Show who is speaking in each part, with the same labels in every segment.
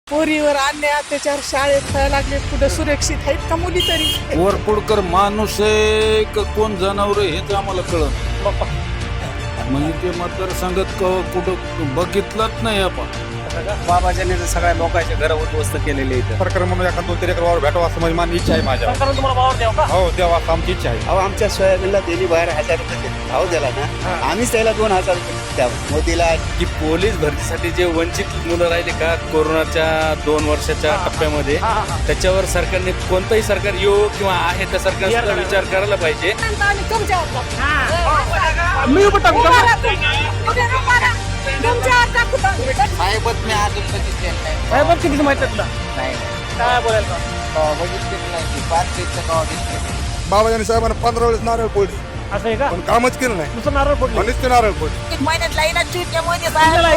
Speaker 1: पोरीवर अन्याय अत्याचार शाळेत व्हायला लागले, कुठं सुरक्षित आहेत का मुली तरी?
Speaker 2: वरपुडकर माणूस आहे का कोण जनावर आहे हेच आम्हाला कळत. म्हणजे ते मतदारसंघात कुठं बघितलंच नाही आपण.
Speaker 3: बाबाजाने सगळ्या लोकांचे घर उद्ध्वस्त केलेले आहेत.
Speaker 4: सरकार म्हणून एखाद 2-3 एकर वावर भेटावं असं माझी इच्छा आहे माझ्या.
Speaker 5: तुम्हाला वावर द्यावं का?
Speaker 4: हो द्यावा असं आमची इच्छा आहे.
Speaker 3: अहो आमच्या सोयाबीनला त्यांनी बाहेर 1000 रुपये भाव दिला ना, आम्हीच त्याला 2000 रुपये द्यावं मोदीला.
Speaker 6: की पोलीस भरतीसाठी जे वंचित मुलं राहिले का कोरोनाच्या 2 वर्षाच्या टप्प्यामध्ये, त्याच्यावर सरकारने कोणतंही सरकार येऊ किंवा आहे त्या सरकारचा विचार करायला पाहिजे.
Speaker 3: साहेबच मी अजून बघितले नाही.
Speaker 5: साहेब किती माहिती आहे तुला?
Speaker 3: नाही
Speaker 5: काय बोलायला?
Speaker 3: बघितले नाही. 5 गाव दिसले.
Speaker 4: बाबाजानी साहेबांना 15 वेळेस नारळ फोडली
Speaker 5: असं आहे का?
Speaker 4: पण कामच केलं नाही.
Speaker 5: नुसतं नारळ फोडले.
Speaker 4: म्हणूनच ते नारळ फोडली.
Speaker 1: महिन्यात लाईनात चुटल्यामुळे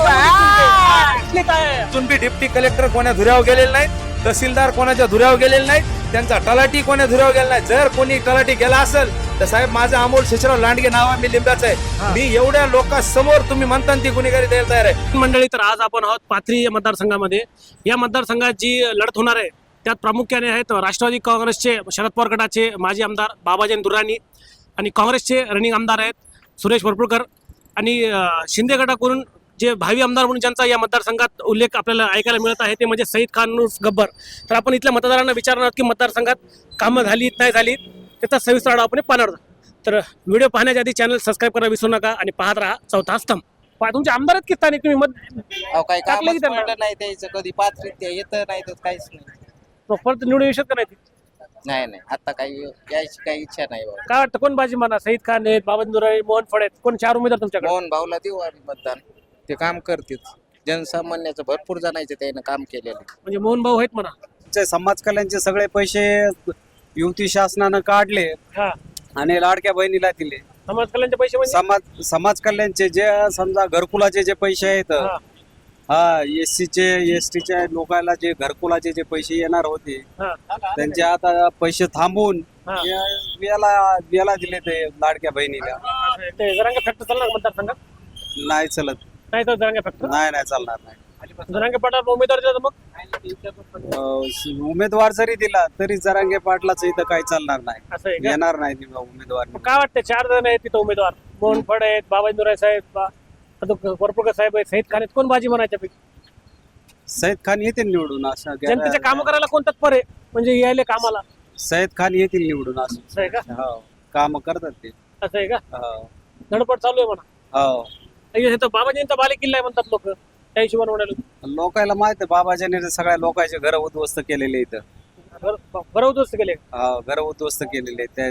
Speaker 6: अजून बी डिप्टी कलेक्टर कोण्या धुऱ्यावर गेलेले नाहीत, तहसीलदार कोणाच्या धुऱ्यावर गेलेले नाहीत, त्यांचा तलाठी कोण्या धुऱ्यावर गेला नाही. जर कोणी तलाठी गेला असेल तर साहेब माझं अमोल शेषराव लांडगे नाव आहे, मी लिंबाचं आहे. मी एवढ्या लोकांसमोर तुम्ही म्हणता ती गुन्हेगारी द्यायला तयार आहे.
Speaker 5: मंडळी, तर आज आपण आहोत पाथरी या मतदारसंघामध्ये. या मतदारसंघात जी लढत होणार आहे त्यात प्रामुख्याने आहेत राष्ट्रवादी काँग्रेसचे शरद पवार गटाचे माजी आमदार बाबाजानी दुर्राणी आणि काँग्रेसचे रनिंग आमदार आहेत सुरेश वरपुडकर आणि शिंदे गटाकडून जे भावी आमदार म्हणून ज्यांचा या मतदारसंघात उल्लेख आपल्याला ऐकायला मिळत आहे ते म्हणजे सईद खान उर्फ गब्बर. तर आपण इथल्या मतदारांना विचारणार आहोत की मतदारसंघात कामं झालीत नाही झालीत त्याचा सविस्तर आढावा आपण पाहणार आहोत. तर व्हिडिओ पाहण्याच्या आधी चॅनल सबस्क्राईब करायला विसरू नका आणि पाहत राहा चौथा स्तंभ. तुमचे आमदार आहेत की स्थानिक? तुम्ही मत
Speaker 3: काही
Speaker 5: टाकलं की त्यांना?
Speaker 3: नाही द्यायचं कधी. 5 येतं नाही तर काहीच नाही.
Speaker 5: परत निवडून येऊ शकत नाही?
Speaker 3: नाही आता काही यायची काही इच्छा नाही बाबा.
Speaker 5: काय वाटतं कोण बाजी म्हणा? सईद खान आहेत, बाबाजानी दुर्राणी, मोहन फड आहेत, कोण 4 उमेदवार तुमच्याकडे?
Speaker 3: मोहन भाऊला देऊ आम्ही मतदान. ते काम करतील. जनसामान्याचं भरपूर जणांचे त्यानं काम केलेलं.
Speaker 5: म्हणजे मोहन भाऊ आहेत म्हणा.
Speaker 3: समाज कल्याणचे सगळे पैसे युती शासनानं काढले
Speaker 5: हा,
Speaker 3: आणि लाडक्या बहिणीला दिले.
Speaker 5: समाज कल्याणचे पैसे म्हणजे
Speaker 3: समाज कल्याणचे जे समजा घरकुलाचे जे पैसे आहेत,
Speaker 5: हा,
Speaker 3: हा एससीचे एसटीच्या लोकांना जे घरकुलाचे जे पैसे येणार होते
Speaker 5: हा.
Speaker 3: त्यांचे आता पैसे थांबवून
Speaker 5: हा.
Speaker 3: याला दिले ते लाडक्या बहिणीला.
Speaker 5: ते जरांगे फॅक्टर चालणार मतदारसंघात?
Speaker 3: नाही चलत.
Speaker 5: नाही तर जरांगे फॅक्टर
Speaker 3: नाही चालणार नाही.
Speaker 5: जरांगे पाटाला उमेदवार दिला तर मग
Speaker 3: उमेदवार जरी दिला तरी जरांगे पाटलाच इथं काही चालणार नाही.
Speaker 5: असं आहे का?
Speaker 3: येणार नाही उमेदवार.
Speaker 5: मग काय वाटतं 4 जण आहेत तिथं उमेदवार? मोहन फड आहेत, बाबाजानी दुर्राणी साहेब, वरपुडकर साहेब आहेत, सईद खान आहेत. कोण बाजी म्हणायच्या पैकी?
Speaker 3: सईद खान येतील निवडून असं.
Speaker 5: जनतेचे काम करायला कोण तत्पर आहे म्हणजे यायले कामाला?
Speaker 3: सईद खान येतील निवडून असं.
Speaker 5: असं आहे का?
Speaker 3: हो काम करतात ते.
Speaker 5: असं आहे का?
Speaker 3: हो
Speaker 5: धडपड चालू आहे म्हणा.
Speaker 3: हो.
Speaker 5: हे तर बाबाजींचा बाले किल्ला आहे म्हणतात लोक, त्या हिशोबाने म्हणाले.
Speaker 3: लोकांना माहित आहे बाबाजाने सगळ्या लोकांचे घर उद्ध्वस्त केलेले इथं.
Speaker 5: बरं उद्ध्वस्त केले.
Speaker 3: घर उद्ध्वस्त केलेले. त्या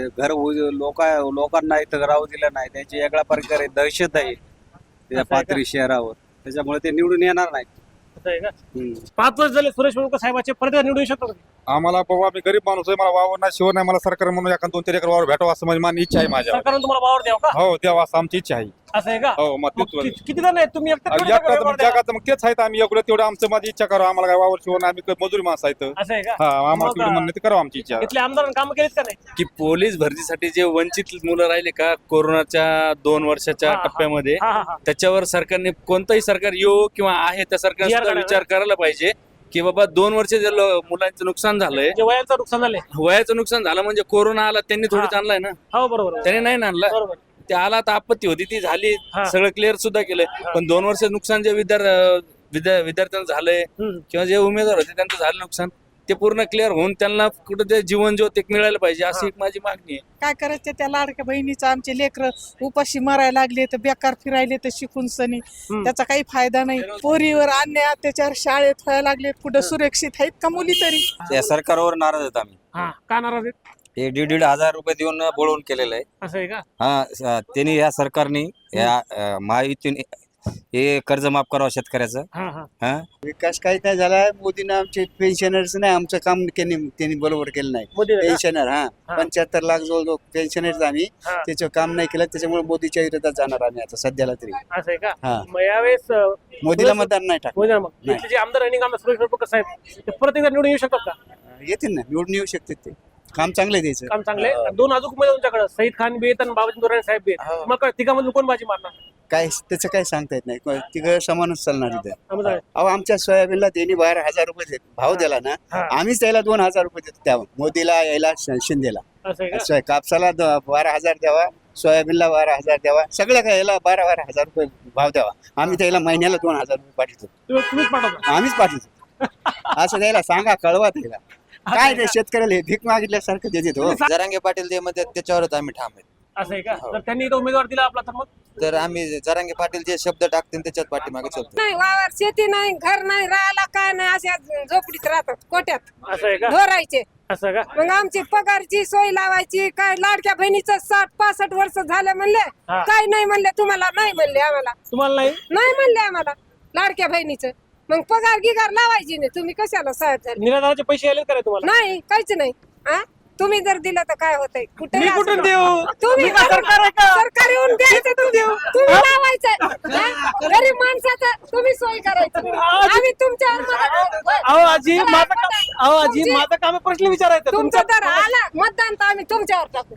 Speaker 3: लोकांना इथं राहू दिलं नाही. त्याची वेगळ्या प्रकारे दहशत आहे त्या पाथरी शहरावर. त्याच्यामुळे ते निवडून येणार नाही.
Speaker 5: असं आहे का? 5 वर्ष झाले सुरेश वरपुडकर साहेबाचे, परत निवडून येऊ शकतो का?
Speaker 4: आम्हाला बाबा मी गरीब माणूस आहे, मला वावर नाही शिवर नाही. मला सरकार म्हणून एखाद 2-3 एकर वावर भेटावं असं माझी इच्छा आहे माझ्या.
Speaker 5: सरकारने तुम्हाला वावर द्यावं का?
Speaker 4: हो द्यावा असं आमची इच्छा आहे.
Speaker 5: असं आहे का?
Speaker 4: हो मग
Speaker 5: मग
Speaker 4: तेच
Speaker 5: किती जण आहेत तुम्ही? एकटं थोडी वावर द्यावं?
Speaker 4: जगात मग तेच आहेत. आम्ही एवढं तेवढं आमचं माझी इच्छा करा. आम्हाला काय वावर शिवर नाही. आम्ही मजुरी माणसं आहेत.
Speaker 5: असं आहे का?
Speaker 4: हा आम्हाला
Speaker 5: मग,
Speaker 4: तेवढं म्हणणं ते करावं आमची इच्छा.
Speaker 5: इथल्या आमदारांनी काम केलीत का नाही?
Speaker 6: की पोलीस भरतीसाठी जे वंचित मुलं राहिले का कोरोनाच्या 2 वर्षाच्या
Speaker 5: हा.
Speaker 6: टप्प्यामध्ये,
Speaker 5: हा.
Speaker 6: त्याच्यावर सरकारने कोणतंही सरकार येऊ किंवा आहे त्या सरकारचा विचार करायला पाहिजे की बाबा 2 वर्ष जे मुलांचं नुकसान झालंय,
Speaker 5: जे वयांचं नुकसान झालंय.
Speaker 6: वयाचं नुकसान झालं म्हणजे कोरोना आला त्यांनी थोडीच आणलाय ना,
Speaker 5: हो बरोबर.
Speaker 6: त्याने नाही ना आणला.
Speaker 5: बरोबर.
Speaker 6: ते आला तर आपत्ती होती ती झाली,
Speaker 5: हा.
Speaker 6: सगळं क्लिअर सुद्धा केलंय. पण 2 वर्ष नुकसान जे विद्यार्थ्यांचं झालंय किंवा जे उमेदवार होते त्यांचं झालं नुकसान, ते पूर्ण क्लिअर होऊन त्यांना कुठं ते जीवन ज्योत एक मिळायला पाहिजे अशी एक माझी मागणी आहे.
Speaker 1: काय करायचं त्या लाडक्या बहिणीचं? आमचे लेकर उपाशी मरायला लागले तर बेकार फिरायले तर शिकून सनी त्याचा काही फायदा नाही. पोरीवर अन्याय अत्याचार शाळेत व्हायला लागले, कुठं सुरक्षित आहेत का मुली तरी?
Speaker 3: त्या सरकारवर नाराज आहेत आम्ही.
Speaker 5: हा, का नाराज आहेत?
Speaker 3: हे 1,500 रुपये देऊन बोलवून केलेलं आहे.
Speaker 5: असं आहे का?
Speaker 3: त्यांनी या सरकारने या महायुतीने हे कर्ज माफ करावं शेतकऱ्याचं.
Speaker 5: हा.
Speaker 7: विकास काही नाही झाला. मोदीनं आमचे पेन्शनर्स नाही आमचं काम त्यांनी बरोबर केलं नाही.
Speaker 5: मोदी आहे का?
Speaker 7: पेन्शनर हा 75 लाख जवळ पेन्शनर्स आम्ही
Speaker 5: हा.
Speaker 7: त्याचं काम नाही केलं. त्याच्यामुळे मोदीच्या विरोधात जाणार आम्ही आता सध्याला तरी.
Speaker 5: असं आहे का?
Speaker 7: हा.
Speaker 5: मग यावेळेस
Speaker 7: मोदीला मतदान नाही टाकलं.
Speaker 5: मोदी मग
Speaker 7: नाही.
Speaker 5: इथले जे आमदार रनिंग आमदार सुरेश वरपुडकर साहेब ते परत एकदा निवडून येऊ शकतात का?
Speaker 7: येतील ना निवडून येऊ शकते ते. काम चांगलं द्यायचं.
Speaker 5: काम चांगले दोन अजून उमेदवार तुमच्याकडे सईद खान बी आहेत आणि बाबाजी दुर्राणी साहेब बी आहेत. मग काय तिघांमधून कोण बाजी मारणार?
Speaker 7: काय त्याचं काय सांगता येत नाही, तिघं समानच चालणार इथं.
Speaker 5: समजा आहे.
Speaker 7: अहो आमच्या सोयाबीनला त्यांनी 12,000 रुपये भाव दिला ना, आम्हीच त्याला 2,000 रुपये देतो त्या मोदीला यायला शिंदेला.
Speaker 5: असं आहे का?
Speaker 7: कापसाला 12,000 द्यावा, सोयाबीनला 12,000 द्यावा, सगळ्या काय याला 12,000 रुपये भाव द्यावा. आम्ही त्याला महिन्याला 2,000 रुपये पाठवतो,
Speaker 5: तुम्हीच पाठवता.
Speaker 7: आम्हीच पाठवतो. असं द्यायला सांगा, कळवा त्याला. काय ते शेतकऱ्याला हे भीक मागितल्यासारखं देते हो.
Speaker 8: जरांगे पाटील जे म्हणतात त्याच्यावरच आम्ही ठाम आहे.
Speaker 5: असं आहे का? जर त्यांनी इथं उमेदवार दिला आपला तर मग
Speaker 8: तर आम्ही जरांगे पाटील जे शब्द टाकतील त्याच्यात पाठीमागे चलतो.
Speaker 9: नाही, वावर शेती नाही, घर नाही, राहायला काय नाही, अशा झोपडीत राहतात, कोट्यात
Speaker 5: असं आहे का?
Speaker 9: ढोरायचे.
Speaker 5: असं का?
Speaker 9: मग आमची पगारची सोय लावायची, काय लाडक्या बहिणीचं 60-65 वर्ष झालं म्हणले,
Speaker 5: हा.
Speaker 9: काय नाही म्हणले, तुम्हाला नाही म्हणले, आम्हाला
Speaker 5: तुम्हाला नाही
Speaker 9: नाही म्हणले, आम्हाला लाडक्या बहिणीचं. मग पगार गिगार लावायची नाही, तुम्ही कशाला सहाय्य झाले?
Speaker 5: निराधाराचे पैसे आले का रे तुम्हाला?
Speaker 9: नाही, काहीच नाही. हा, तुम्ही जर दिलं तर काय होतंय? कुठे
Speaker 5: मी कुठून देऊ?
Speaker 9: तुम्ही
Speaker 5: मी काय सरकार आहे का?
Speaker 9: सरकार येऊन द्यायचं, तुम्ही लावायचं. हा? गरीब माणसाचं तुम्ही सोय करायची, आम्ही तुमच्यावर मदत करू.
Speaker 5: अहो आजी माझं काम, अहो आजी माझं काम आहे, प्रश्न विचारायचं
Speaker 9: तुमचं तर आलं मतदान तर आम्ही तुमच्यावर टाकू.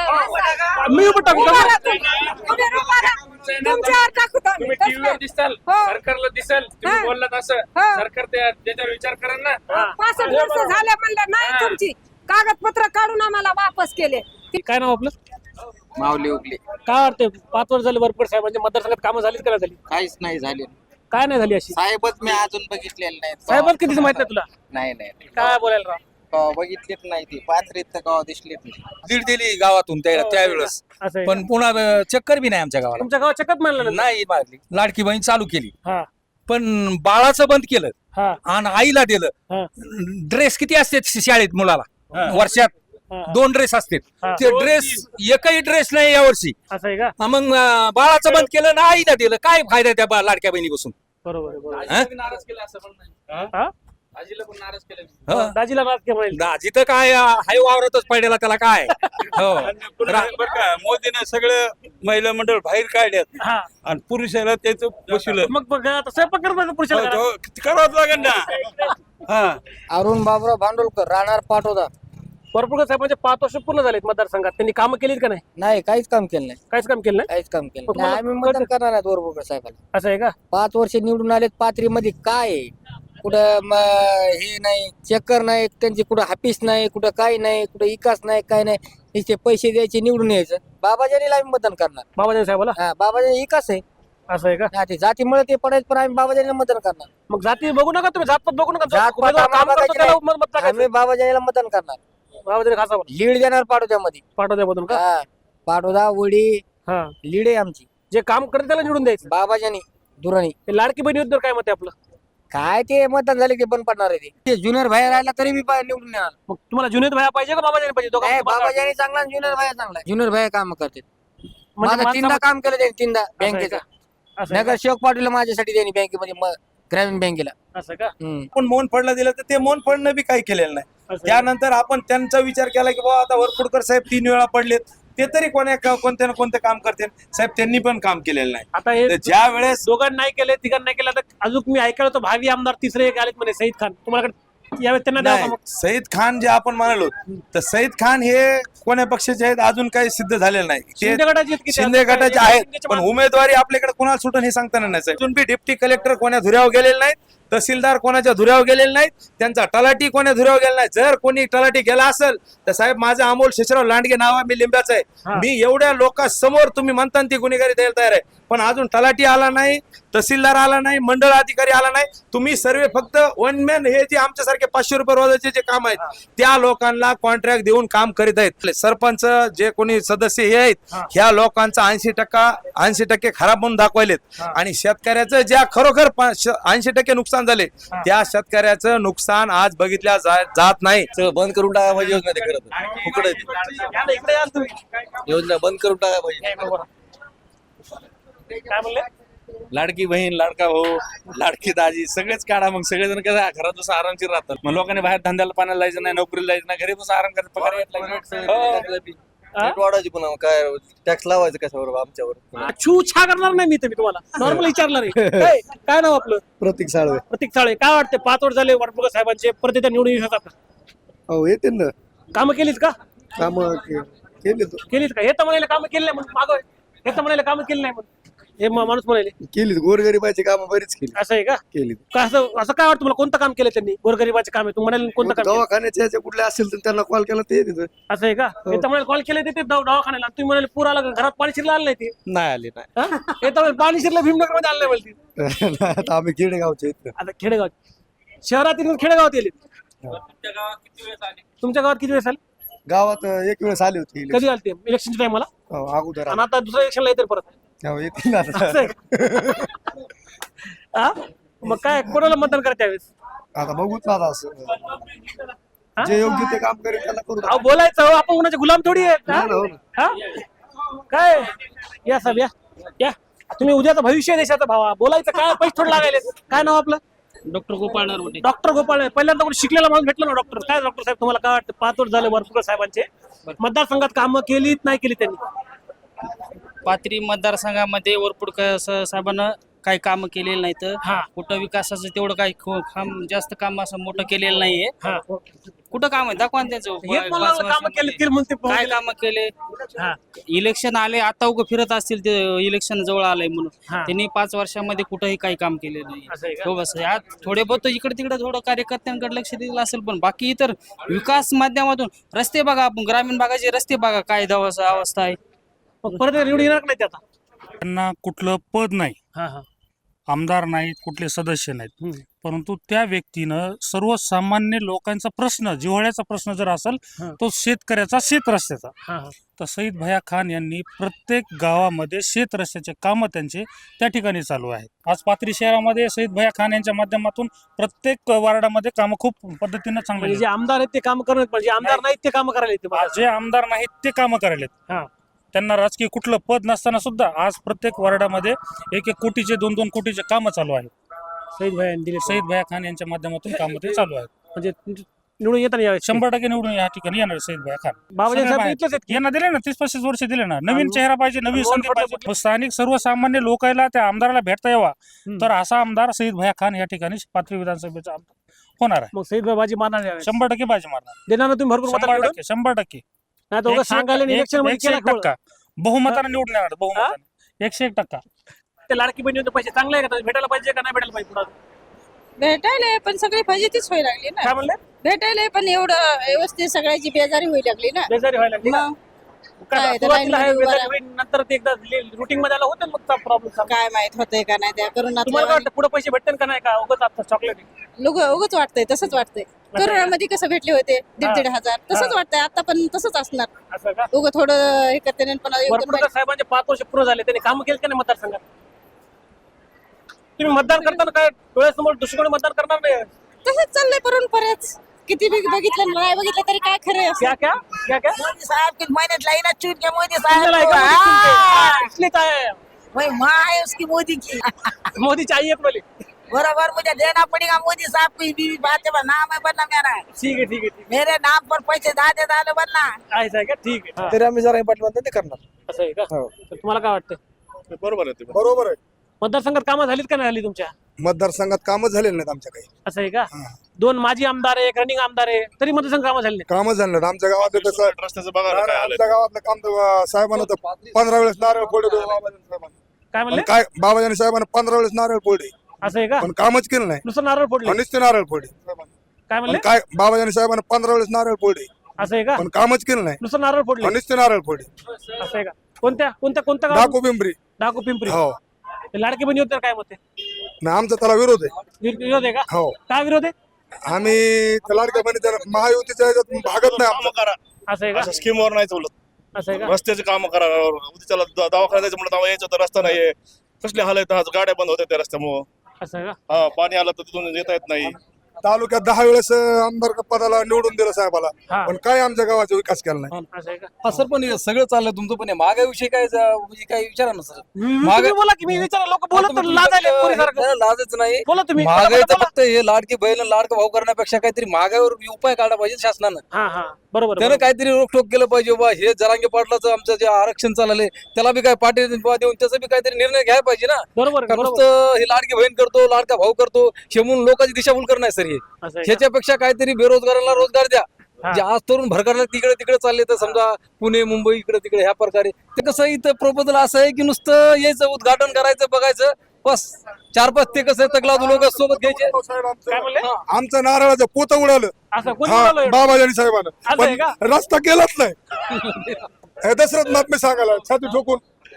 Speaker 5: मी उभं टाकू का?
Speaker 9: उभा राहा तुम्ही. उभे उभा राहा. तुमच्यावर टाकू तर आम्ही.
Speaker 10: टीव्हीवर दिसाल,
Speaker 9: हो.
Speaker 10: सरकारला दिसाल, तुम्ही
Speaker 9: हा.
Speaker 10: बोललात असं,
Speaker 9: हो.
Speaker 10: सरकार त्याच्यावर विचार करा ना.
Speaker 9: 65 वर्ष झाले म्हणलं नाही, तुमची कागदपत्र काढून आम्हाला वापस केले.
Speaker 5: काय नाव आपलं?
Speaker 8: माऊली उगली
Speaker 5: काय वाटतंय 5 वर्ष झाले वरपड साहेबांचे मतदारसंघात कामं झालीच का नाही झाली?
Speaker 8: काहीच नाही झाले.
Speaker 5: काय नाही झाली अशी?
Speaker 8: साहेबच मी अजून बघितलेले नाहीत.
Speaker 5: साहेबात कितीच माहित नाही तुला?
Speaker 8: नाही
Speaker 5: काय बोलायला राव?
Speaker 8: कवा बघितलेत नाही ती पात्रीत तर कवा दिसलेत नाही.
Speaker 6: दीड दिली गावातून त्यावेळेस,
Speaker 5: असं आहे
Speaker 6: पण पुन्हा चक्कर बी नाही आमच्या गावाला.
Speaker 5: तुमच्या गावात चकत मानलं
Speaker 6: नाही मारली. लाडकी बहीण चालू केली,
Speaker 5: हा
Speaker 6: पण बाळाचं बंद केलं
Speaker 5: हा
Speaker 6: आणि आईला दिलं.
Speaker 5: हा
Speaker 6: ड्रेस किती असते शाळेत मुलाला? वर्षात
Speaker 5: हा.
Speaker 6: 2 ड्रेस असतात.
Speaker 5: हा.
Speaker 6: ते ड्रेस एकही ड्रेस नाही यावर्षी.
Speaker 5: असं आहे का?
Speaker 6: मग बाळाचं बंद केलं ना आईला दिलं. काय फायदा आहे त्या लाडक्या बहिणीपासून?
Speaker 5: बरोबर आहे, बरोबर आहे.
Speaker 6: हा?
Speaker 10: नाराज केलं असं पण नाही.
Speaker 5: हा?
Speaker 10: आजीला पण नाराज केलं.
Speaker 6: हो.
Speaker 5: दाजीला राज केव्हा येईल?
Speaker 6: दाजी तर काय हाय वावरतच पडलेला त्याला काय. हो
Speaker 2: बरं का, मोदीने सगळं महिला मंडळ बाहेर काढल्यात
Speaker 5: हा.
Speaker 2: आणि पुरुषाला त्याचं बसवलं.
Speaker 5: मग बघ आता स्वयंपाक करत बसलं पुरुषाला घरात.
Speaker 2: हो, करावंच लागेल ना. हा,
Speaker 8: अरुण बाबराव भांडुलकर राहणार पाटोदा.
Speaker 5: वरपुडकर साहेबांचे 5 वर्ष पूर्ण झालेत मतदारसंघात. त्यांनी कामं केलीत का नाही?
Speaker 8: नाही, काहीच काम केलं नाही,
Speaker 5: काहीच काम केलं नाही.
Speaker 8: काहीच काम केलं
Speaker 5: मग तुम्हाला
Speaker 8: आम्ही मतदान करणार आहेत वरपुडकर साहेबाला.
Speaker 5: असं आहे का?
Speaker 8: 5 वर्ष निवडून आलेत. पाथरीमध्ये काय आहे? कुठं हे नाही, चक्कर नाही त्यांची, कुठं हापीस नाही, कुठं काय नाही, कुठं विकास नाही, काय नाही. नुसते पैसे द्यायचे, निवडून यायचं. बाबाजानीला आम्ही मतदान करणार.
Speaker 5: बाबाजी साहेबाला.
Speaker 8: हा, बाबाजानी विकास आहे.
Speaker 5: असं आहे का?
Speaker 8: हा, ते जातीमुळे ते पडायचं, पण आम्ही बाबाजानीला मतदान करणार.
Speaker 5: मग जाती बघू नका तुम्ही, जातपात बघू नका.
Speaker 8: जातपात
Speaker 5: उमेदवार काम
Speaker 8: आम्हाला
Speaker 5: करतो त्याला
Speaker 8: बघायचं
Speaker 5: मत टाकायचं.
Speaker 8: आम्ही बाबाजानीला मतदान करणार.
Speaker 5: बाबाजी खासा
Speaker 8: लीड देणार पाटोद्यामध्ये.
Speaker 5: पाठवत्यामधून का?
Speaker 8: हा, पाटोदा वडी
Speaker 5: हा.
Speaker 8: लीड आहे आमची.
Speaker 5: जे काम करते त्याला निवडून द्यायचं.
Speaker 8: बाबाजानी दुराणी
Speaker 5: ते लाडकी बहिणीबद्दल काय मत आहे आपलं?
Speaker 8: काय ते मतदान झाले ते बंद पडणार आहे. ते ज्युनियर भाई राहिला तरी मी निवडून येणार.
Speaker 5: मग तुम्हाला जुनेद भाया पाहिजे का बाबाजी पाहिजे?
Speaker 8: नाही,
Speaker 5: दोघांचं मला
Speaker 8: बाबाजानी चांगला, ज्युनियर भाई चांगला. ज्युनियर भाई काम करते.
Speaker 5: म्हणजे
Speaker 8: माझं 3दा काम केलं त्यांनी, 3दा
Speaker 5: असं आहे
Speaker 8: बँकेचं.
Speaker 5: का? असं आहे
Speaker 8: नगर शेवक पाटीलला माझ्यासाठी त्यांनी बँकेमध्ये ग्रामीण बँकेला.
Speaker 5: का? असं का?
Speaker 6: पण मोहन फडला दिलं तर ते मोहन फडनं बी काही केलेलं नाही.
Speaker 5: असं आहे का?
Speaker 6: त्यानंतर आपण त्यांचा विचार केला की बाबा आता वरपुडकर साहेब 3 वेळा पडलेत, ते तरी कोणत्या ना कोणतं काम करते. साहेब त्यांनी पण काम केलेलं नाही.
Speaker 5: आता हे
Speaker 6: तर ज्या वेळेस
Speaker 5: दोघांना नाही केले, तिघांना नाही केलं, तर अजून मी ऐकलं होतं भावी आमदार तिसरे एक आलेत म्हणे, सईद खान. तुम्हाला यावेळेस त्यांना द्यावं का
Speaker 6: नाही,
Speaker 5: मग?
Speaker 6: सईद खान जे आपण म्हणालो, तर सईद खान हे कोण्या पक्षाचे आहेत अजून काही सिद्ध झालेलं नाही. ते
Speaker 5: शिंदे गटाचे आहेत की ते?
Speaker 6: शिंदे गटाचे आहेत,
Speaker 5: शिंदेच्या
Speaker 6: पण
Speaker 5: मागे-
Speaker 6: उमेदवारी आपल्याकडे कोणाला सुटून हे सांगताना नाही साहेब. अजून बी डिप्टी कलेक्टर कोण्या धुऱ्यावर गेलेले नाहीत, तहसीलदार कोणाच्या धुऱ्यावर गेलेले नाहीत, त्यांचा तलाठी कोण्या धुऱ्यावर गेला नाही. जर कोणी तलाठी गेला असेल तर साहेब माझं अमोल शेषराव लांडगे नाव आहे, मी लिंब्याचा आहे. मी एवढ्या लोकांसमोर तुम्ही म्हणता ती गुन्हेगारी द्यायला तयार आहे, पण अजून तलाठी आला नाही, तहसीलदार आला नाही, मंडळ अधिकारी आला नाही. तुम्ही सर्व फक्त वन मॅन हे जे आमच्यासारखे 500 रुपये रोजाचे जे काम आहेत त्या लोकांना कॉन्ट्रॅक्ट देऊन काम करीत आहेत. सरपंच जे कोणी सदस्य हे आहेत ह्या लोकांचा 80% खराब म्हणून दाखवायलेत. आणि शेतकऱ्याचं ज्या खरोखर 80% नुकसान झाले त्या शेतकऱ्याचं नुकसान आज बघितल्या जात नाही.
Speaker 8: बंद करून टाका पाहिजे योजना, ते करत फुकट आहे ती.
Speaker 5: इकडे याल तुम्ही.
Speaker 8: योजना बंद करून टाका पाहिजे.
Speaker 5: काय म्हणले?
Speaker 10: लाडकी बहीण, लाडका भाऊ, लाडकी दाजी सगळेच काढा. मग सगळेजण कसं घरात बसून आरामशीर राहतात. मग लोकांनी बाहेर धंद्याला पाण्याला जायचं नाही, नोकरीला जायचं नाही, घरी बसून आराम करायचं, पगार येत नाही.
Speaker 8: रेट वाढवायची पुन्हा काय टॅक्स लावायचं कशावर आमच्यावर.
Speaker 5: छू छा करणार नाही मी तर, मी तुम्हाला नॉर्मल विचारणार आहे. काय नाव आपलं?
Speaker 7: प्रतीक साळवे.
Speaker 5: प्रतीक साळे. काय वाटते 5 वर्ष झाले वरपुडकर साहेबांचे, परत एकदा निवडून येऊ शकतात का?
Speaker 7: हो, येते ना.
Speaker 5: कामं केलीत का?
Speaker 7: काम
Speaker 5: केलीत का? हे तर म्हणाले कामं केली नाही म्हणून मागं आहे. हे तर म्हणाले कामं केली नाही म्हणून हे माणूस म्हणाले.
Speaker 7: केलीत गोरगरिबाची कामं बरीच केली
Speaker 5: असं आहे का?
Speaker 7: केलीत
Speaker 5: का असं काय वाटतं मला कोणतं काम केलं त्यांनी? गोरगरिबाचे काम आहे तू म्हणाले कोणतं काम केलं?
Speaker 7: दवाखान्याच्या ह्याच्या कुठले असेल तर त्यांना कॉल केला ते येते
Speaker 5: असं आहे का? हे तर म्हणाले कॉल केले ते दवाखान्याला तुम्ही म्हणाले पूर आला का? घरात पाणी शिरलं आलं नाही ते
Speaker 6: नाही आले नाही
Speaker 5: हा? हे तर म्हणाले पाणी शिरलं भीमनगर मध्ये आलं नाही बोलते.
Speaker 7: आता आम्ही खेडेगावचे इथं
Speaker 5: आता खेडेगाव शहरातील खेडेगावात गेले. तुमच्या गावात किती वेळेस आले?
Speaker 7: गावात एक वेळेस आली होती
Speaker 5: कधी आले ते इलेक्शनच्या टायमाला?
Speaker 7: अगोदर
Speaker 5: आणि आता दुसऱ्या इलेक्शनला येतील परत.
Speaker 7: येतील आता
Speaker 5: असं आहे का? हा? मग काय कोणाला मतदान करा त्यावेळेस?
Speaker 7: आता बघूच ना आता असं
Speaker 5: हा?
Speaker 7: जे योग्य ते काम करेल त्याला करू
Speaker 5: अहो बोलायचं हो, आपण कोणाचे गुलाम थोडी आहेत हा?
Speaker 7: हो ना.
Speaker 5: हा? काय या साहेब या तुम्ही उद्याचं भविष्य आहे देशाचा भावा बोलायचं काय पैसे थोडं लागायले. काय नाव आपलं?
Speaker 10: डॉक्टर गोपाळ नरवडे.
Speaker 5: डॉक्टर गोपाळ पहिल्यांदा कोणी शिकलेला माणूस भेटला ना डॉक्टर. काय डॉक्टर साहेब तुम्हाला काय वाटतं? 5 वर्ष झाले वरपुकर साहेबांचे मतदारसंघात कामं केलीत नाही केली त्यांनी?
Speaker 10: पाथरी मतदारसंघामध्ये वरपुडकर साहेबांना काही कामं केलेलं नाही तर
Speaker 5: हा.
Speaker 10: कुठं विकासाचं तेवढं काही जास्त काम असं मोठं केलेलं नाहीये.
Speaker 5: हा.
Speaker 10: कुठं काम आहे दाखवा ना त्यांचं.
Speaker 5: हेच मला वाटलं कामं केलीत केली म्हणून ते
Speaker 10: काय कामं केले?
Speaker 5: हा.
Speaker 10: इलेक्शन आले आता उगं फिरत असतील ते इलेक्शन जवळ आलंय म्हणून
Speaker 5: हा.
Speaker 10: त्यांनी 5 वर्षामध्ये कुठंही काही काम केले नाही.
Speaker 5: असं आहे का?
Speaker 10: हो बस आज थोडे बहुत इकडे तिकडे थोडं कार्यकर्त्यांकडे लक्ष दिलं असेल पण बाकी इतर विकास माध्यमातून रस्ते बघा आपण ग्रामीण भागाचे रस्ते बघा काय अवस्था आहे.
Speaker 5: मग परत निवडून येणार नाही ते आता?
Speaker 11: त्यांना कुठलं पद नाही,
Speaker 5: हा हा
Speaker 11: आमदार नाहीत, कुठले सदस्य नाहीत,
Speaker 5: हम्म.
Speaker 11: परंतु त्या व्यक्तीनं सर्वसामान्य लोकांचा प्रश्न जिव्हाळ्याचा प्रश्न जर असेल
Speaker 5: हा.
Speaker 11: तो शेतकऱ्याचा शेत रस्त्याचा.
Speaker 5: हा हा
Speaker 11: तर सईद भैया खान यांनी प्रत्येक गावामध्ये शेत रस्त्याचे कामं त्यांचे त्या ठिकाणी चालू आहेत. आज पाथरी शहरामध्ये सईद भैया खान यांच्या माध्यमातून प्रत्येक वार्डामध्ये कामं खूप पद्धतीनं चांगली
Speaker 5: म्हणजे जे आमदार आहेत ते काम करणार म्हणजे आमदार नाहीत ते काम करायला येते.
Speaker 11: जे आमदार नाहीत ते कामं करायलेत.
Speaker 5: हा.
Speaker 11: त्यांना राजकीय कुठलं पद नसताना सुद्धा आज प्रत्येक वार्डामध्ये 1-1 कोटीचे 2-2 कोटीचे कामं चालू आहेत.
Speaker 5: सईद भाई दिले
Speaker 11: सईद भैया खान यांच्या माध्यमातून कामं ते चालू आहेत.
Speaker 5: म्हणजे निवडून येताना यावेळेस
Speaker 11: 100% निवडून या ठिकाणी येणार सईद भैया खान.
Speaker 5: बाबाजी
Speaker 11: सगळे
Speaker 5: साहेब
Speaker 11: बाहेर.
Speaker 5: इथलेच आहेत की?
Speaker 11: यांना दिले ना 30-35 वर्ष दिले ना. नवीन
Speaker 5: आणि
Speaker 11: चेहरा पाहिजे, नवीन
Speaker 5: रोल
Speaker 11: संधी
Speaker 5: फटलं
Speaker 11: पाहिजे. स्थानिक सर्वसामान्य लोकांना त्या आमदाराला भेटता यावा तर असा आमदार सईद भैया खान या ठिकाणी पाथरी विधानसभेचा आमदार होणार आहे.
Speaker 5: मग सईद भाई बाजी मारणार यावेळेस.
Speaker 11: 100% बाजी मारणार.
Speaker 5: देणार ना तुम्ही भरपूर मतांनी निवडून?
Speaker 11: 100%.
Speaker 5: नाही तर उगाच सांगायला इलेक्शन मध्ये केला खोळ.
Speaker 11: 101% बहुमताने निवडून येणार. बहुमताने 101%.
Speaker 5: ते लाडकी बहिणी पैसे चांगले आहे का? भेटायला पाहिजे का नाही भेटायला पाहिजे पुन्हा?
Speaker 9: भेटायला पण सगळी फजितीच व्हायला लागली
Speaker 5: काय
Speaker 9: ना.
Speaker 5: म्हणले?
Speaker 9: भेटायला पण एवढं व्यवस्थित सगळ्याची बेजारी व्हायला लागली ना.
Speaker 5: बेजारी व्हायला लागली का?
Speaker 9: मग
Speaker 5: काय
Speaker 9: काय,
Speaker 5: सुरुवातीला
Speaker 9: तर
Speaker 5: आहे,
Speaker 9: लाईनमध्ये
Speaker 5: बेजारी
Speaker 9: उभं
Speaker 5: होईल, नंतर ते एकदा रुटीन मध्ये आला होतं मग प्रॉब्लेम.
Speaker 9: काय माहित होतंय का नाही त्या
Speaker 5: तुम्हाला काय
Speaker 9: करोनात
Speaker 5: वाटतं पुढे पैसे भेटतील का नाही का? उगाच आता चॉकलेट
Speaker 9: उगच वाटतंय तसंच वाटतंय. करोनामध्ये कसं भेटले होते 1,500 हजार तसंच वाटतंय आता पण तसंच असणार.
Speaker 5: असं का?
Speaker 9: उगं थोडं हे करते पण
Speaker 5: वरपुडकर साहेबांचे 5 वर्ष पूर्ण झाले त्यांनी काम केलं का नाही मतदारसंघात? तुम्ही मतदान करताना काय डोळ्यासमोर दुसरीकडे मतदान करणार नाही?
Speaker 9: तसंच चाललंय परत किती बघितलं नाही बघितलं तरी काय खरंय असं.
Speaker 5: क्या क्या क्या क्या
Speaker 8: मोदी साहब की महिन्यात लाईन चुन के मोदी
Speaker 5: तुमच्या लायका मध्ये तुमचे? हाँ, इसलिए तो आया है.
Speaker 8: वही माँ है उसकी मोदी की
Speaker 5: मोदी चाहिए बोले.
Speaker 8: बराबर मुझे देना पड़ेगा मोदी साहब को बीवी बातें नाम है बनना मेरा
Speaker 5: ठीक है ठीक है ठीक
Speaker 8: मेरे नाम पर पैसे दादे दाले बनना
Speaker 5: आहे. असं आहे का? ठीक आहे. हा.
Speaker 6: तरी आम्ही जरा पाटील म्हणतो ते करणार.
Speaker 5: असं आहे का? तर तुम्हाला काय वाटतं?
Speaker 4: बरोबर आहे.
Speaker 5: मतदारसंघात कामं झालीत का नाही झाली तुमच्या?
Speaker 4: मतदारसंघात कामं झालेली नाहीत आमच्या काही.
Speaker 5: असं आहे का? 2 माजी आमदार आहे, एक रनिंग आमदार आहे, तरी मतदारसंघ कामं झाली नाही.
Speaker 4: कामं झाले नाहीत आमच्या गावात. तसं
Speaker 10: रस्त्याचं
Speaker 4: आमच्या गावातलं काम तर साहेबांना तर 15 वेळेस नारळ फोडले साहेबांना.
Speaker 5: काय म्हणले?
Speaker 4: काय बाबाजानी साहेबांना 15 वेळेस नारळ फोडले
Speaker 5: असं आहे का?
Speaker 4: पण कामच केलं नाही.
Speaker 5: नुसतं नारळ फोडले.
Speaker 4: नुसते नारळ फोडले.
Speaker 5: काय म्हणले?
Speaker 4: काय बाबाजानी साहेबांना 15 वेळेस नारळ फोडले
Speaker 5: असं आहे का?
Speaker 4: पण कामच केलं नाही.
Speaker 5: नुसतं नारळ फोडले.
Speaker 4: नुसते नारळ फोडले.
Speaker 5: असं आहे का? कोणत्या गाव?
Speaker 4: डाकू पिंपरी.
Speaker 5: डाकू पिंपरी.
Speaker 4: हो
Speaker 5: ते लाडकी बहिणी होते काय मते?
Speaker 4: ना आमचा त्याला विरोध आहे.
Speaker 5: विरोध आहे का?
Speaker 4: हो
Speaker 5: काय विरोध आहे?
Speaker 4: आम्ही त्या लाडक्या बहिणीच्या महायुतीच्या ह्याच्यात भागत नाही आमचं.
Speaker 5: असं आहे का?
Speaker 10: स्कीमवर नाही चालत.
Speaker 5: असं आहे का?
Speaker 10: रस्त्याचे काम करा त्याला दवाखान्यात जायचं म्हणलं यायचं तर रस्ता नाहीये. कसले हाल आहेत गाड्या बंद होत्या त्या रस्त्यामुळं.
Speaker 5: असं आहे का?
Speaker 10: हा पाणी आलं तर तिथून येता येत नाही.
Speaker 4: तालुक्यात 10 वेळेस आमदार पदाला निवडून दिलं साहेबाला
Speaker 5: हा.
Speaker 4: पण काय आमच्या गावाचा विकास केला नाही.
Speaker 5: असं आहे का?
Speaker 6: हा सर पण हे सगळं चाललंय तुमचं पण महागाईविषयी काय म्हणजे काय विचारा ना सर.
Speaker 5: तुम्ही बोला की मी विचारा लोक बोलत तर लाजायले पोरीसारखं.
Speaker 6: लाजच नाही.
Speaker 5: बोला तुम्ही.
Speaker 6: महागाईचं
Speaker 5: बोला.
Speaker 6: फक्त हे लाडकी बहीण लाडका भाऊ करण्यापेक्षा काहीतरी महागाईवर उपाय काढला पाहिजे शासनानं.
Speaker 5: हा हा बरोबर
Speaker 6: त्यानं काहीतरी रोखोक केलं पाहिजे बाबा. हे जरांगे पाटलाचं आमचं जे आरक्षण चाललंय त्याला बी काय पाठी देऊन त्याचा बी काहीतरी निर्णय घ्यायला पाहिजे ना.
Speaker 5: बरोबर
Speaker 6: कारण नुसतं हे लाडकी बहीण करतो लाडका भाऊ करतो हे म्हणून लोकांची दिशाभूल करणं आहे सर. हे
Speaker 5: असं आहे का?
Speaker 6: ह्याच्यापेक्षा काहीतरी बेरोजगारांना रोजगार द्या
Speaker 5: हा.
Speaker 6: जे आज तरुण भरकटला तिकडे तिकडे चालले तर समजा पुणे मुंबई इकडे तिकडे ह्या प्रकारे ते कसं इथं प्रपोजल असं आहे की नुसतं यायचं उद्घाटन करायचं बघायचं बस 4-5 ते कसं तकलादू लोक सोबत घ्यायचे.
Speaker 5: काय म्हणले
Speaker 4: आमचं नारळाचं पोत उडालं
Speaker 5: असं कोणी बोलावलं एवढं?
Speaker 4: बाबाजानी साहेबांना
Speaker 5: असं आहे का?
Speaker 4: रस्ता केलाच नाही हे दशरथ नाथ मी सांगायला छाती ठोकून.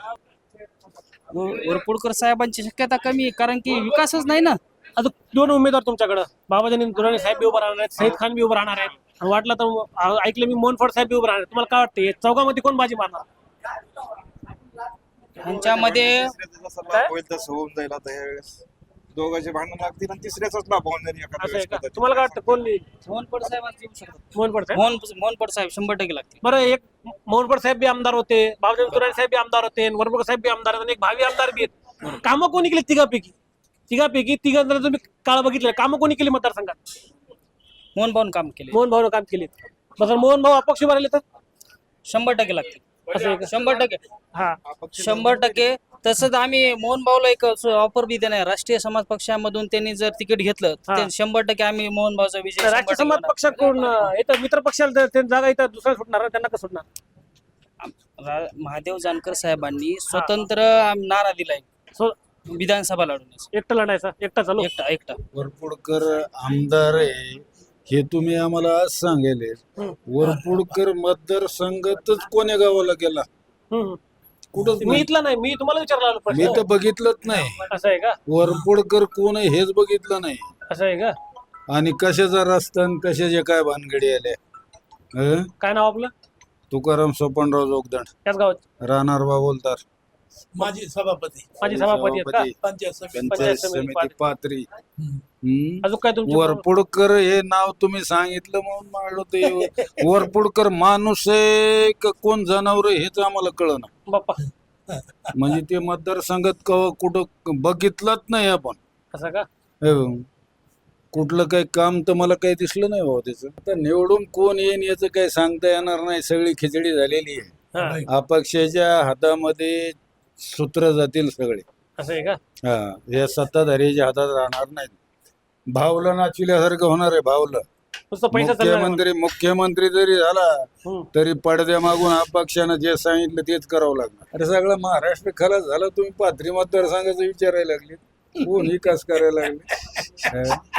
Speaker 8: वरपुडकर साहेबांची शक्यता कमी आहे कारण की विकासच नाही ना.
Speaker 5: आता 2 उमेदवार तुमच्याकडे बाबाजानी दुराणी साहेब बी उभं राहणार आहेत, सईद खान बी उभं राहणार आहेत आणि वाटलं तर ऐकलं मी मोहन फड साहेब बी उभं राहणार आहेत. तुम्हाला काय वाटतं चौघामध्ये कोण बाजी मारणार?
Speaker 8: ह्यांच्यामध्ये
Speaker 4: होईल तसं होऊन जाईल आता ह्यावेळेस दोघांचे भांडण लागतील आणि तिसऱ्याचाच लाभ होऊन जाईल एखाद्या
Speaker 5: असं आहे का?
Speaker 4: वेळेस.
Speaker 5: तुम्हाला काय वाटतं कोण येईल?
Speaker 8: मोहन पड साहेब येऊ शकतात.
Speaker 5: मोहन फड साहेब.
Speaker 8: मोहन पड साहेब 100% लागतील.
Speaker 5: बरं, एक मोहन फड साहेब बी आमदार होते, बाबाजानी दुराणी साहेब बी आमदार होते, वरपुडकर साहेब बी आमदार आहेत आणि एक भावी आमदार बी आहेत. कामं कोणी केली तिघापैकी तिघांना तुम्ही काळ बघितलं, कामं कोणी केली मतदारसंघात?
Speaker 8: मोहन भाऊन काम केले.
Speaker 5: मोहन भाऊ काम केली. बरं, मोहन भाऊ अपक्ष उभे राहिले तर
Speaker 8: 100% लागतील.
Speaker 5: असं आहे का?
Speaker 8: 100%.
Speaker 5: हा
Speaker 8: 100%. तसंच आम्ही मोहन भाऊला एक ऑफर बी देणार राष्ट्रीय समाज पक्षामधून त्यांनी जर तिकीट घेतलं
Speaker 5: हा.
Speaker 8: तर 100% आम्ही मोहन भाऊचा विजय
Speaker 5: तर राष्ट्रीय
Speaker 8: 100%
Speaker 5: समाज
Speaker 8: होणार.
Speaker 5: पक्षाकडून येतं मित्र पक्षाला ते जागा इथं दुसऱ्या सुटणार ना, त्यांना कसं सुटणार?
Speaker 8: महादेव जानकर साहेबांनी स्वतंत्र नारा दिलाय विधानसभा लढवण्याचा.
Speaker 5: एकटा लढायचा, एकटा चालू.
Speaker 8: एकटा
Speaker 2: वरपुडकर आमदार आहे हे तुम्ही आम्हाला आज सांगेले. वरपुडकर मतदारसंघातच कोण्या गावाला गेला? कुठंच
Speaker 5: मी
Speaker 2: नाही.
Speaker 5: इथला नाही, मी तुम्हाला विचारला
Speaker 2: मी तर बघितलंच नाही.
Speaker 5: असं आहे का?
Speaker 2: वरपुडकर कोण आहे हेच बघितलं नाही.
Speaker 5: असं आहे का?
Speaker 2: आणि कशाचा रस्ता आणि कशाचे काय भानगडी आल्या.
Speaker 5: काय नाव आपलं?
Speaker 2: तुकाराम सोपनराव जोगदंड,
Speaker 5: त्याच गावात
Speaker 2: राहणार बाबोलदार,
Speaker 5: माझी सभापती आहेत का?
Speaker 2: पंचायत समिती पात्री.
Speaker 5: अजून काय तुमचं?
Speaker 2: वरपुडकर हे नाव तुम्ही सांगितलं म्हणून म्हणलो ते वरपुडकर माणूस आहे का कोण जनावर आहे हेच आम्हाला कळना.
Speaker 5: बाप्पा
Speaker 2: म्हणजे ते मतदारसंघात कुठं बघितलंच नाही आपण.
Speaker 5: असं का?
Speaker 2: कुठलं काही काम तर मला काही दिसलं नाही भाऊ त्याचं. आता निवडून कोण येईन याचं काही सांगता येणार नाही. सगळी खिचडी झालेली आहे. अपक्षाच्या हातामध्ये सूत्र जातील सगळे.
Speaker 5: असं आहे का?
Speaker 2: हा, या सत्ताधारीच्या हातात राहणार नाहीत. भावलं नाचविल्यासारखं होणार आहे. भावलं
Speaker 5: नुसतं पैसा चालणार.
Speaker 2: मुख्यमंत्री जरी झाला तरी पडद्या मागून अपक्षानं जे सांगितलं तेच करावं लागणार. अरे सगळं महाराष्ट्र खलास झाला. तुम्ही पाथरी मतदारसंघाचा विचारायला लागले, कोण विकास करायला लागले.